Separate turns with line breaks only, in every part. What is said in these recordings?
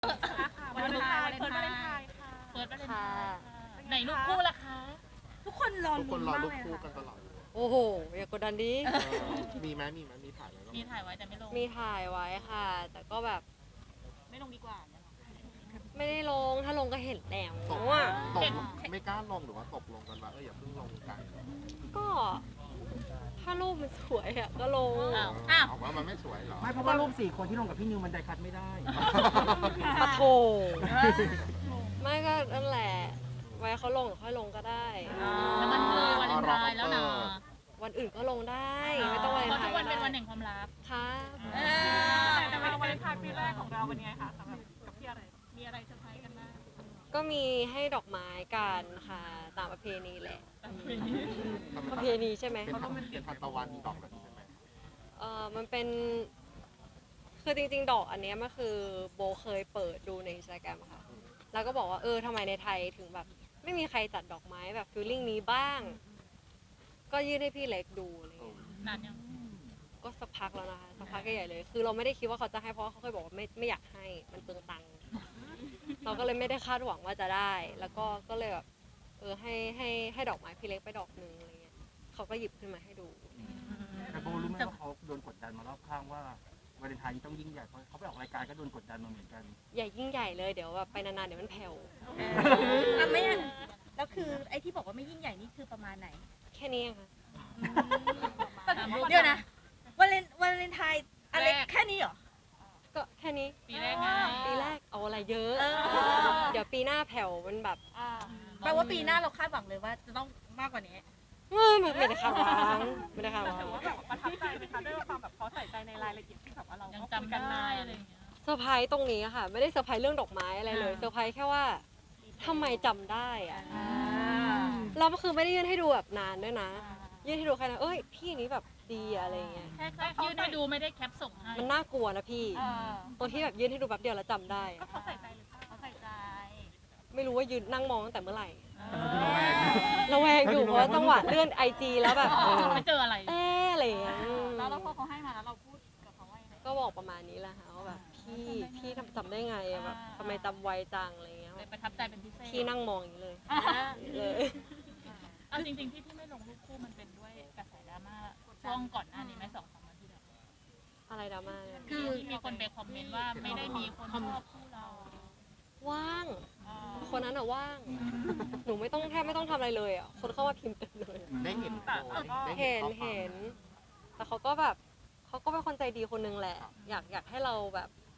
วันวาเลนไทน์เฟิร์สวาเลนไทน์ค่ะเฟิร์สวาเลนไทน์ไหนรูปคู่ล่ะคะ
ทุกคนรอ
ทุกค
ลุ้
น
น
รอ
มาก
รูป
เลย
คู่
ค่ะ
กันตลอด
โอ้โหอย่ากดดันดิ
มีไหมมีถ่ายไหม
มีถ่ายไว้แต่ไม่ลง
มีถ่ายไว้ค่ะ แต่ก็แบบ
ไม่ลงดีกว่าเนี่ย
ไม่ได้ลงถ้าลงก็เห็นแล้ว
ตก
อ่ะ
ไม่กล้าลงหรือว่าตกลงกันว่าอย่าเพิ่งลงกัน
ก็ถ้ารูปมันสวยอ่ะก็ลง
อ้าว
ออกว่ามันไม่สวยเหรอ
ไม่เพราะว่ารูป4 คนที่ลงกับพี่นิวมันไดคัดไม่ได้
ปะโถไม่ก็นั่นแหละ ไว้เขาลงหรือค่อยลงก็ได้
แล้วมันเลยวันวาเลนไทน์แล้วนะ
วันอื่นก็ลงได้ ไม่ต้องวัน
เพราะ
ไท
ทุก
น์
วัน
ก็
เป็นวัน
ได้
แห่งความรัก
ค่ะ
แต่วาเลนไทน์ปีแรกของเราเป็นไงคะสำหรับกับพี่อะไรมีอะไรเซอร์ไพรส์กันบ้าง
ก็มีให้ดอกไม้กันค่ะตามประเพณีแหละ ประเพณีใช่ไหม
เป็นทานตะวันดอกแบบนี้ใช่ไหม
มันเป็นคือจริงๆ ดอกอันเนี้ยมันคือโบเคยเปิดดูใน Instagram ค่ะ แล้วก็บอกว่าทำไมในไทยถึงแบบ ไม่มีใครจัดดอกไม้แบบฟีลลิ่งนี้บ้าง ก็ยื่นให้พี่เล็กดูอะไรเงี้ย
นานยัง
ก็สักพักแล้วนะคะสักพักใหญ่ๆเลย คือเราไม่ได้คิดว่าเขาจะให้เพราะว่าเขาเคยบอกว่าไม่อยากให้มันเปลืองตังค์เราก็เลยไม่ได้คาดหวังว่าจะได้ แล้วก็เลยแบบให้ดอกไม้พี่เล็กไปดอกนึงอะไรเงี้ยเขาก็หยิบขึ้นมาให้ดู
แต่โบรู้ไหมว่าเขาโดนกดดันมารอบข้างว่าวาเลนไทน์นี้ต้องยิ่งใหญ่เพราะเขาไปออกรายการก็โดนกดดันมาเหมือนกัน
ใหญ่ยิ่งใหญ่เลยเดี๋ยวแบบไปนานๆเดี๋ยวมันแผ่ว
ไม่แล้วคือไอ้ที่บอกว่าไม่ยิ่งใหญ่นี่คือประมาณไหน
แค่นี้เองค่ะ
เดี๋ยวนะวาเลนไทน์อะไรแค่นี้เหรอ
ก็แค่นี้
ปีแรกไง
ปีแรกเอาอะไรเยอะ เดี๋ยวปีหน้าแผ่วมันแบบ
แปลว่าปีหน้าเราคาดหวังเลยว่าจะต้องมากกว่านี้
ไม่ได้คาดหวังไม่ได้คาดหวัง
ประทับใจไหมคะด้วยความแบบเขาใส่ใจในรายละเอียดที่แบบว่าเรา
ยังจำได้อะไรอย่างเงี้ย
เซอร์ไพรส์ตรงนี้อะค่ะ ไม่ได้เซอร์ไพรส์เรื่องดอกไม้อะไรเลยเซอร์ไพรส์แค่ว่าทำไมจำได้อะเราก็คือไม่ได้ยื่นให้ดูแบบนานด้วยนะ ยื่นให้ดูแค่นั้นพี่อันนี้แบบดีอะไรเงี้ย
แค่ยื่นให้ดูไม่ได้แคปส่งให้
มันน่ากลัวนะพี่ตรงที่แบบยื่นให้ดูแป๊บเดียวแล้วจำได้อะ
เขาใส่ใจหรือเปล่าเขาใส่ใจ
ไม่รู้ว่ายืนนั่งมองตั้งแต่เมื่อไหร่ระแวงอยู่เพราะว่าจังหวะเลื่อนไอจีแล้วแบบ
ไม่เจออะไร
อะไรอย่างเงี้ย
แล้วพอเขาให้มาแล้วเราพูดกับเขาว่ายังไง
ก็บอกประมาณนี้แหละค่ะว่าแบบพี่จำได้ไงอะแบบทำไมจำไวจังอะไรเงี้ย
เลยประทับใจเป็นพิเศษ
พี่นั่งมองอย่างนี้เลยเลย
เอาจริงๆที่พี่ไม่ลงรูปคู่มันเป็นด้วยกระแสดราม่าช่วงก่อนหน้านี้ไหม2-3 วันที่แล้ว
อะไรดราม่าเนี่ย
คือมีคนไปคอมเมนต์ว่าไม่ได้มีคนชอบคู่เรา
ว่าง คนนั้นอะว่าง หนูแทบไม่ต้องทำอะไรเลยอะคนเข้ามาพิมพ์เต็มเลย
ได้เห็นโพสต์ได้
เห็น
ข้อความ
เห็นแต่เขาก็เป็นคนใจดีคนนึงแหละ อยากให้เราแบบ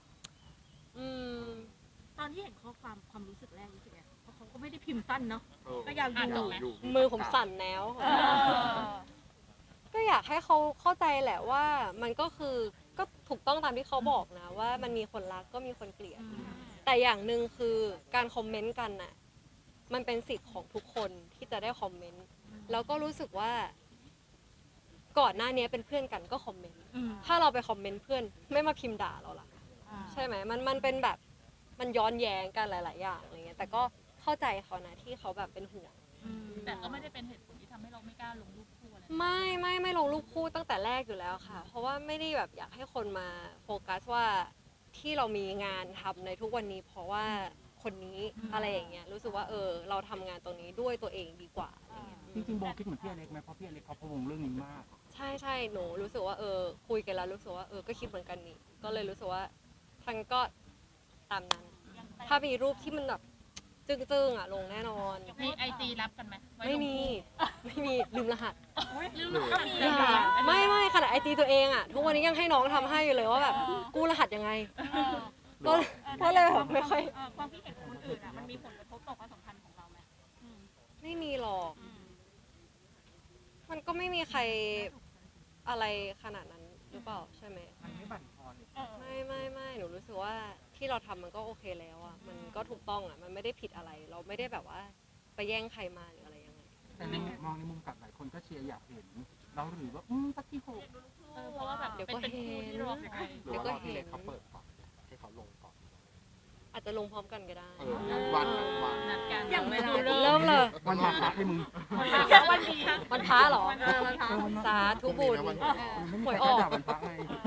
ตอนที่เห็นข้อความรู้สึกแรกรู้สึกไงเพราะเขาก็ไม่ได้พิมพ์สั้นเนาะ ก็
อย
าวอยู่
มือผมสั่นแล้ว ก็อยากให้เขาเข้าใจแหละว่ามันก็ถูกต้องตามที่เขาบอกนะว่ามันมีคนรักก็มีคนเกลียด แต่อย่างหนึ่งคือการคอมเมนต์กันน่ะมันเป็นสิทธิ์ของทุกคนที่จะได้คอมเมนต์แล้วก็รู้สึกว่าก่อนหน้านี้เป็นเพื่อนกันก็คอมเมนต์ถ้าเราไปคอมเมนต์เพื่อนไม่มาพิมพ์ด่าเราล่ะใช่ไหมมันเป็นแบบมันย้อนแย้งกันหลาย ๆ อย่างอะไรเงี้ยแต่ก็เข้าใจเขานะที่เขาแบบเป็นห่วง
แต่ก็ไม่ได้เป็นเหตุผลที่ทำให้เราไม่กล้าลงรูปคู่อะไร
ไม่ลงรูปคู่ตั้งแต่แรกอยู่แล้วค่ะ เพราะว่าไม่ได้แบบอยากให้คนมาโฟกัสว่าที่เรามีงานทำในทุกวันนี้ เพราะว่าคนนี้อะไรอย่างเงี้ยรู้สึกว่าเราทำงานตรงนี้ด้วยตัวเองดีกว่าอะไรเงี้ย
จริงๆโบคิดเหมือนพี่อเล็กไหมเพราะพี่อเล็กเขาพะวงเรื่องนี้มาก
ใช่หนูรู้สึกว่าคุยกันแล้วรู้สึกว่าก็คิดเหมือนกันนี่ก็เลยรู้สึกว่าทางก็ตามนั้น ถ้ามีรูปที่มันแบบจึ้งๆอ่ะลงแน่นอน
มีไอจีรับกันไหมว้
ไม่
ลง
มี
คู่
ไม่มีลืมรหัส
ลืมก็มี
ไม่ขนาดไอจีตัวเองอ่ะทุกวันนี้ยังให้น้องทำให้อยู่เลยว่าแบบกู้รหัสยังไงก็เลยแบบไม่ค่อย
ความคิดเห็นของคนอื่นอ่ะมันมีผลกระทบต่อความสัมพันธ์ของเราไหม
ไม่มีหรอก มันก็ไม่มีใครอะไรขนาดนั้นหรือเปล่าใช่ไหม
มันไม่บั่นทอน
ไม่หนูรู้สึกว่าที่เราทำมันก็โอเคแล้วอ่ะมันก็ถูกต้องอ่ะมันไม่ได้ผิดอะไร เราไม่ได้แบบว่าไปแย่งใครมาหรืออะไรยังไง
แต่มองในมุมกลับหลายคนก็เชียร์อยากเห็นเราหรือว่าสักที่หก
เพราะว่าแบบเป็นคู่ที่รอคอย
หรือว่ารอที่เล็กเขาเปิดก่อนให้เขาลงก่อน
อาจจะลงพร้อมกันก็ได้
วัน
นัดกัน
อย่างเวลา
เริ่มเลย
วันมาพักให้มึง
วันดี
วันพระเหรอ
วันพระ
สาธุบุญ หวยออก
วันพระไง
โอ้โหแต่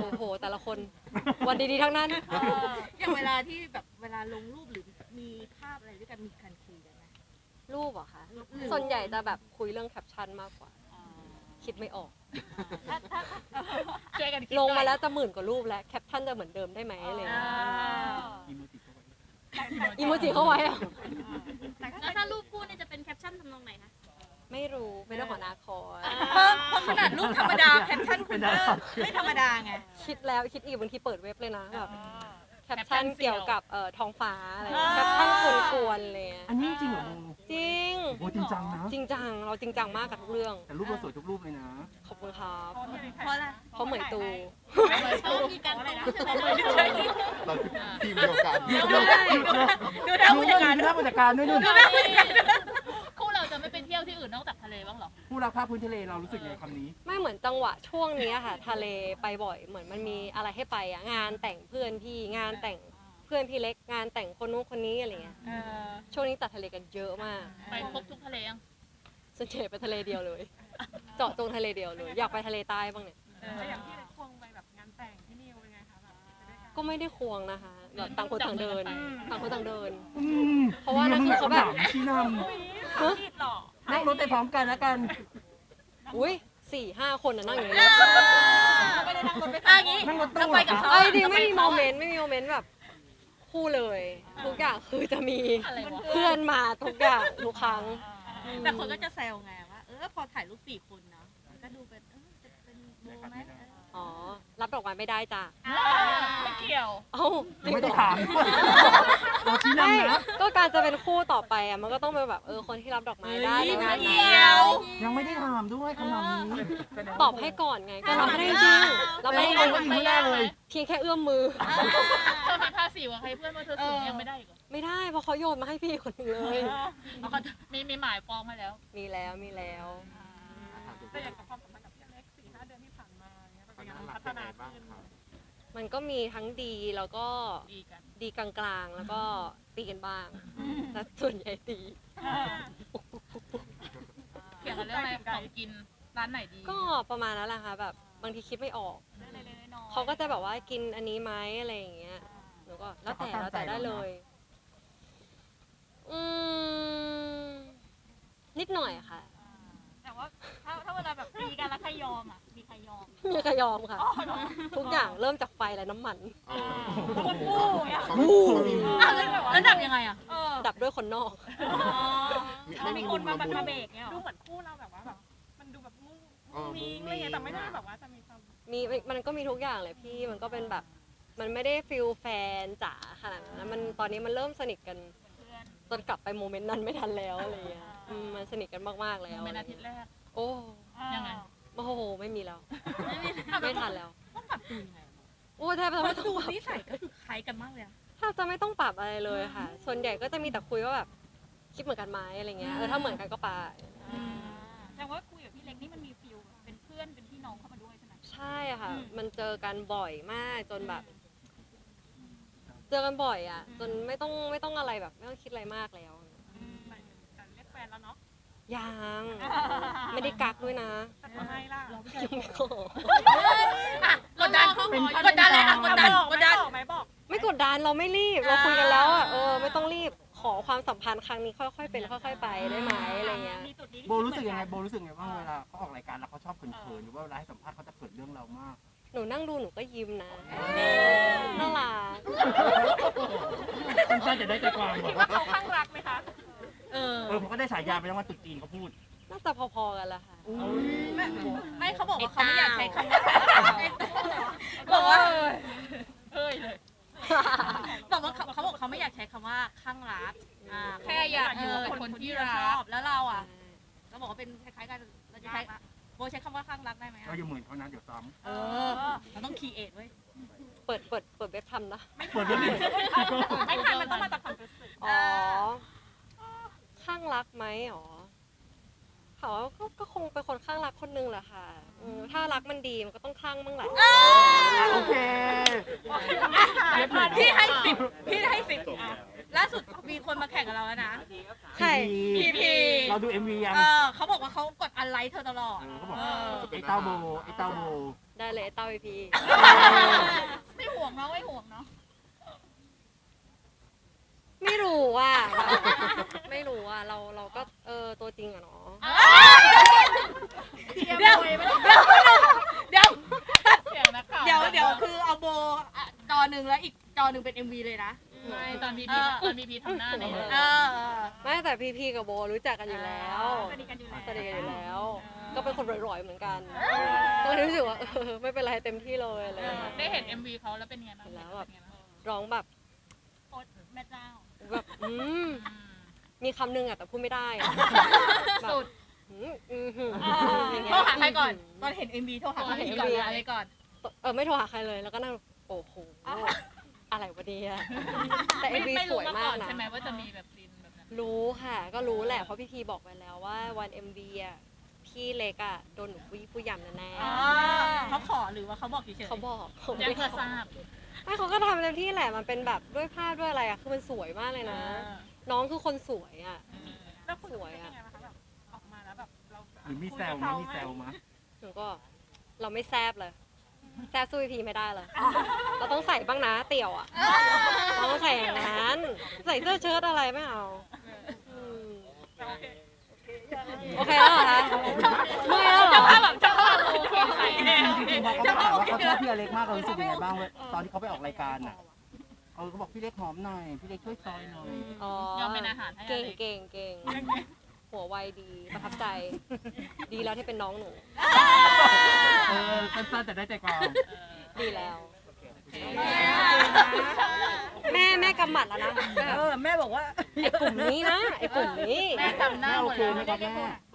แต่ละคน วันดีๆทั้งนั้น
อย่างเวลาที่แบบเวลาลงรูปหรือมีภาพอะไรด้วยกันมีการคุยกันไหม
รูปเหรอคะส่วนใหญ่จะแบบคุยเรื่องแคปชั่นมากกว่า คิดไม่ออก
ช่วยกันคิด
ลงมา
หน่อย
แล้วจะหมื่นกว่ารูปแล้วแคปชั่นจะเหมือนเดิมได้ไหมอะไรอย่างเงี้ย
อีโมจิเข้าไป
อีโมจิเข้าไว้อะ
แล้วถ้ารูปคู่เนี่ยจะเป็นแคปชั่นทำนองไหนคะ
ไม่รู้เป็นเรื่องของอนาคต
เพราะขนาดรูปธรรมดาแคปชั่นคุณก็ไม่ธรรมดาไง
คิดแล้วคิดอีกบางทีเปิดเว็บเลยนะแบบแคปชั่นเกี่ยวกับท้องฟ้าอะไรแคปชั่นกวนๆเลย
อันนี้จริงเหรอโบ
จริง
โบจริงจังนะ
จริงจังเราจริงจังมากกับทุกเรื่อง
แต่รูปเราสวยทุกรูปเลยนะ
ขอบคุณครับ
เพราะอะไร
เพราะเหมยตู
เพราะมีการอะไรนะ
เราทีมเดียวกัน
ดูได้ผู้จัดการ
ดูหน้าผู้จัดการด้วยนู่น
คู่เราจะไม่ไปเที่ยวที่อื่นนอกจากทะเลบ้างเหรอ
ผู้รักภาพพื้นทะเลเรารู้สึกไงคำนี้
ไม่เหมือนจังหวะช่วงนี้ค่ะ ทะเลไปบ่อยเหมือนมันมีอะไรให้ไปอะงานแต่งเพื่อนพี่งานแต่งเพื่อนพี่เล็กงานแต่งคนนู้นคนนี้อะไรเงี้ยช่วงนี้ตัดทะเลกันเยอะมาก
ไปครบทุกทะเลยัง
ส่วนใหญ่ไปทะเลเดียวเลย เจาะจงทะเลเดียวเลย อยากไปทะเลใต้บ้างเนี่ย
แล้วอย่างที่ควงไปแบบงานแต่งที่นิวเป็นไงคะแบบไปด้วยกัน
ก็ไม่ได้ควงนะคะแบบต่างคนต่างเดิน ต่างคนต่างเดิน
อืม
เพราะว่านั่นคือเขาแบบ
ชี้น
ผิดหรอ
ำนั่งรถไปพร้อมกันแล้วกัน
อุ้ย4-5 คนน่ะนั่งอยู่ในรถ
ไม่ได้นั่งรถไปอย่างนี้
นั่งรถตู้
เราไปกับเขา
เอ้ยจริงไม่มีโมเมนต์ไม่มีโมเมนต์แบบคู่เลย ทุกอย่างคือจะมี
อะไรวะ
เพื่อนมาทุกอย่างทุกครั้ง
แต่คนก็จะแซวไงว่าพอถ่ายรูป4 คนเนาะก็ดูเป็นจะเป็นโบไหม
อ๋อ รับดอกไม้ไม่ได้จ้ะ
ไม่เกี่ยว
เอ้าจริง
ไม่
เหร
ได้
อ
ถามด้วยเราชี้
ไม่
นำนะ
ก็การจะเป็นคู่ต่อไปอ่ะมันก็ต้องเป็นแบบคนที่รับดอกไม้ได้ในงาน
เดี
นั้น
ยว
ยังไม่ได้ถามด้วยคำถามนี้
ตอบให้ก่อนไง ก็รับไม่ได้จริงรับไม่ได้จริง
ไม่ได้เลย
เพียงแค่เอื้อมมือ
เธอมีภาษีกับใครเพื่อนว่าเธอสูงยังไม่ได้อีกเหรอ
ไม่ได้เพราะเขาโยนมาให้พี่คนหนึงเลย
เขามีหมายปองมาแล้ว
มีแล้วมีแล้ว
แต่อย่างกับความสัมพันธ์กับพี่อเล็ก4-5 เดือนที่ผ่านมาเนี่ยเป็นยังไงพัฒนาขึ้น
มันก็มีทั้งดีแล้วก็
ดีกัน
ดีกลางๆ แล้วก็ตีกันบ้างแต่ส่วนใหญ่ตี
เกี่ยวกับเรื่องอะไรของกินร้านไหนดี
ก็ประมาณนั้นแหละค่ะแบบบางทีคิดไม่ออก
เล็กๆน้อยๆ
เขาก็จะแบบว่ากินอันนี้ไหมอะไรอย่างเงี้ยหนูก็แล้วแต่ได้เลย อืมนิดหน่อยค่ะ
แต่ว่าถ้าเวลาแบบมีกันแล้วใครยอมอ่ะมีใครยอม
มีใครยอมค่ะ ทุกอย่างเริ่มจากไฟและน้ำมัน
แล้วดับยังไงอ่ะ
ดับด้วยคนนอก
มีคนมาเบรกเนี่ย
ดูเหมือนคู่เราแบบว่าแบบมันดูแบบมุ้ง
มุ้งมิ้
มิ้
ง
งอะไรเงี้ยแต่ไม่ได้แบบว่าจะมีความ
มันก็มีทุกอย่างเลยพี่มันก็เป็นแบบ มันไม่ได้ฟิลแฟนจ๋าขนาดนั้นนะมันตอนนี้มันเริ่มสนิทกันจนกลับไปโมเมนต์นั้นไม่ทันแล้วอะไรเงี้ยมันสนิทกันมากๆแล้ว
เป็นอาทิตย์แรก
โอ้
ยังไง
โอ้โหไม่มีแล้วไม่ทันแล้ว
ต้องปรับตัวยังไง
โอ้แทบจะไม่ต้อง
ดู
ปรับ
นิสัยก็คือคล้ายกันมากเลยอะ
แทบจะไม่ต้องปรับอะไรเลยค่ะ ส่วนใหญ่ก็จะมีแต่คุยว่าแบบคิดเหมือนกันไหมอะไรเงี้ยถ้าเหมือนกันก็ไป
แต่ว่าคุยกับพี่เล็กนี่มันมีฟิลเป็นเพื่อนเป็นพี่น้องเข้ามาด้วยใช่ไหม
ใช่ค่ะ มันเจอกันบ่อยมากจนแบบ เจอกันบ่อยอ่ะ จนไม่ต้องอะไรแบบ ไม่ต้องคิดอะไรมากแล้ว
แต่เรียกแฟนแล้วเนาะ
ยังไม่ได้กักด้วยนะ
แต่ทำไมล่ะ
ยังไม่ขอก
ดดันกดดันเลยอะกดดัน
ไหมบอก
ไม่กดดันเราไม่รีบเราคุยกันแล้วอ่ะไม่ต้องรีบขอความสัมพันธ์ครั้งนี้ค่อยๆเป็นค่อยๆไปได้ไหมอะไรเงี้ย
มีจุดนี้
โบรู้สึกยังไงโบรู้สึกไงบ้างเวลาเขาออกรายการแล้วเขาชอบเขินๆหรือว่าเวลาให้สัมภาษณ์เขาจะเขินเรื่องเรามาก
หนูนั่งดูหนูก็ยิ้มนะน่ารัก
คุณป้าจะได้ใจความบอก
ว่าเขาข้างรักไหมคะ
ผมก็ได้ฉายาไปแล้วว่าตุ๊ดจีนเขาพูด
น่าจะพอๆกันแหละค่ะ
ไม่เขาบอกว่าเขาไม่อยากใช้คำว่าบอกว่า
เฮ้ยเลย
บอกว่าเขาบอกเขาไม่อยากใช้คำว่าข้างรัก
แค่อยากอยู่กับคนที่รั
ชอก บแล้วเราอ่ะเราบอกว่าเป็นคล้ายๆกันเราจะใช้โบใช้คำว่าข้างรักได้ไหม
เราอย่าเหมือนเขานะเดี๋ยวซ้
เราต้องคีเอทไว้ย
เปิดเว็บทำนะ
ำเปิดด้วยดิ
ไม่ทันมันต้องมาจากความรู้สึก
อ๋อ ข้างรักไหมอ๋อเขาก็คงเป็นคนข้างรักคนนึงแหละค่ะถ้ารักมันดีมันก็ต้องคลั่งบ้างแหละ
โอเค
พี่ให้10ล่าสุดมีคนมาแข่งกับเราแล้วนะ
ใช่
PP
เราดู MV ยัง
เขาบอกว่าเขากดอันไลค์เธอตลอด
เขาบอกไอ้เต้าโบไอ้เต้าโบ
ได้เลยเต้าพี
ไม่ห่วงเนาะไม่ห่วงเนาะ
ไม่รู้ว่าไม่รู้ว่าเราก็ตัวจริงอะเนาะ
เดี๋ยว
เสียงนักข่าว
เดี๋ยวคือเอาโบจอหนึ่งแล้วอีกจอหนึ่งเป็น MV เลยนะ
ไม่ตอนพีพีทำหน้าเนี่ย
ไม่แต่พีกับโบรู้จักกันอยู่แล้ว
สนิทกันอยู่แล้ว
สนิทกันอยู่แล้ว ก็เป็นคนร่อยๆเหมือนกันก็เลยรู้สึกว่าไม่เป็นไรเต็มที่เลยอะไรอย่างเลย
ได้เห็น MV เขาแล้วเป็นไงบ้าง
แล้วแบบร้องแบบ
โอ๊ตแม่เจ้า
แบบมีคำหนึงอะแต่พูดไม่ได้อะ
สุด
โทรหาใครก่อน ตอนเห็น MV โทรหาใครก่อนอะไรก่อน
ไม่โทรหาใครเลยแล้วก็นั่งโอ้โหอะไรวะเนี่ยแต่เอ็มวี
ไม่
ส
รู้
วย
มา
มา
ก่
ก
อน
นะ
ใช่ไหมว่าจะมีแบบซีนแบบนั้น
รู้ค่ะก็รู้แหละเพราะพี่พีบอกไว้แล้วว่าวันเอ็มวีอะพี่เล็กอะโดนหนูผู้ยำแน่
เขาขอหรือว่าเขาบอกเฉย
ๆเขาบอกเขาไม่
แจ้ง
ได้
เพื่อทราบ
ไม่เขาก็ทำเต็มที่แหละมันเป็นแบบด้วยภาพด้วยอะไรอะคือมันสวยมากเลยนะ น้องคือคนสวยอะ
แล้วคุณเป็นยังไงบ้างคะแบบออกมาแล้วแบบเรา
หรือมีแซวมั้ยมีแซวมั้ย
หนูก็เราไม่แซบเลยแซบสู้พีไม่ได้เลยเราต้องใส่บ้างนะเตี่ยวอะเราต้องใส่อย่างนั้นใส่เสื้อเชิ้ตอะไรไม่เอาม โอเคแล้วเหรอคะเมื่อยแล้วเหรอ
เจ้าภาพโอเคใส่
จริงๆพอเขาถามว่าเขาชอบพี่อเล็กมากเรารู้สึกยังไงบ้างตอนที่เขาไปออกรายการน่ะเขาบอกพี่เล็กหอมหน่อยพี่เล็กช่วยซอยหน่อย
ยอมเป็นอาหารให้อ
เก่ง
เล็ก
เก่งเก่งหัวไวดีประทับใจ ดีแล้วที่เป็นน้องหนู
สั้นๆแต่ได้ใจความ
ดีแล้ว แม่กำหมัดแล้วนะ
แม่บอกว่า
ไอ้กลุ่มนี้นะไอ้กลุ่มนี้
แม่จำหน้า
แม่
ห
โอ
มด
เค
แล้ว
ไหมครับแม่